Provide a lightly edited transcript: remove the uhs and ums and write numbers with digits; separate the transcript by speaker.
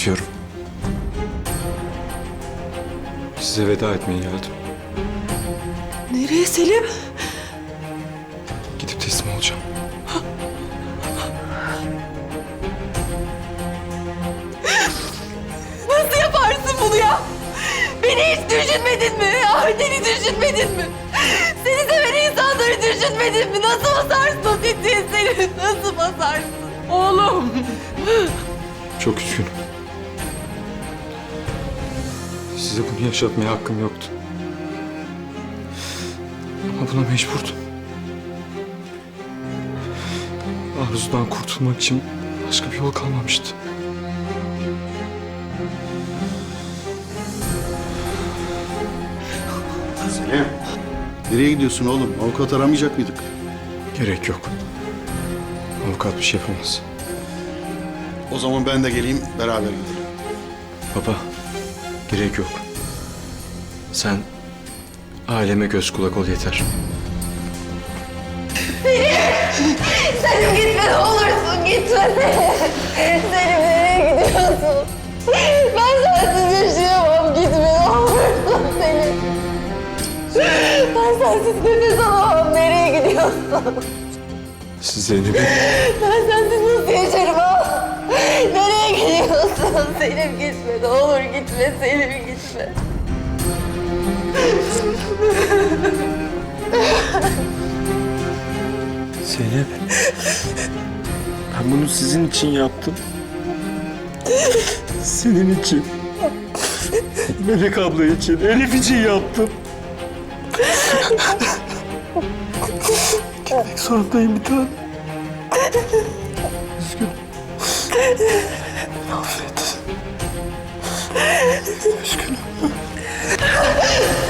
Speaker 1: Gidiyorum. Size veda etmeye geldim.
Speaker 2: Nereye Selim?
Speaker 1: Gidip teslim olacağım.
Speaker 2: Nasıl yaparsın bunu ya? Beni hiç düşünmedin mi? Aileni düşünmedin mi? Seni seven insanları düşünmedin mi? Nasıl basarsın o tetiğe Selim? Nasıl basarsın? Oğlum!
Speaker 1: Çok üzgünüm. Size bunu yaşatmaya hakkım yoktu. Ama buna mecburdum. Arzudan kurtulmak için başka bir yol kalmamıştı.
Speaker 3: Selim. Nereye gidiyorsun oğlum? Avukat aramayacak mıydık?
Speaker 1: Gerek yok. Avukat bir şey yapamaz.
Speaker 3: O zaman ben de geleyim, beraber gidelim.
Speaker 1: Baba, gerek yok. Sen aileme göz kulak ol yeter.
Speaker 2: Selim gitme ne olursun gitme Selim. Selim nereye gidiyorsun? Ben sensiz yaşayamam gitme ne olursun Selim. Ben sensiz nefes alamam nereye gidiyorsun?
Speaker 1: Siz Zeynep'i
Speaker 2: Ben sensiz nasıl yaşarım ha? Nereye gidiyorsun? Selim gitme ne olur gitme Selim gitme.
Speaker 4: Zeynep, ben bunu sizin için yaptım. Senin için. Melek abla için, Elif için yaptım. Gitmek zorundayım bir tane. Üzgünüm. Affet. Üzgünüm.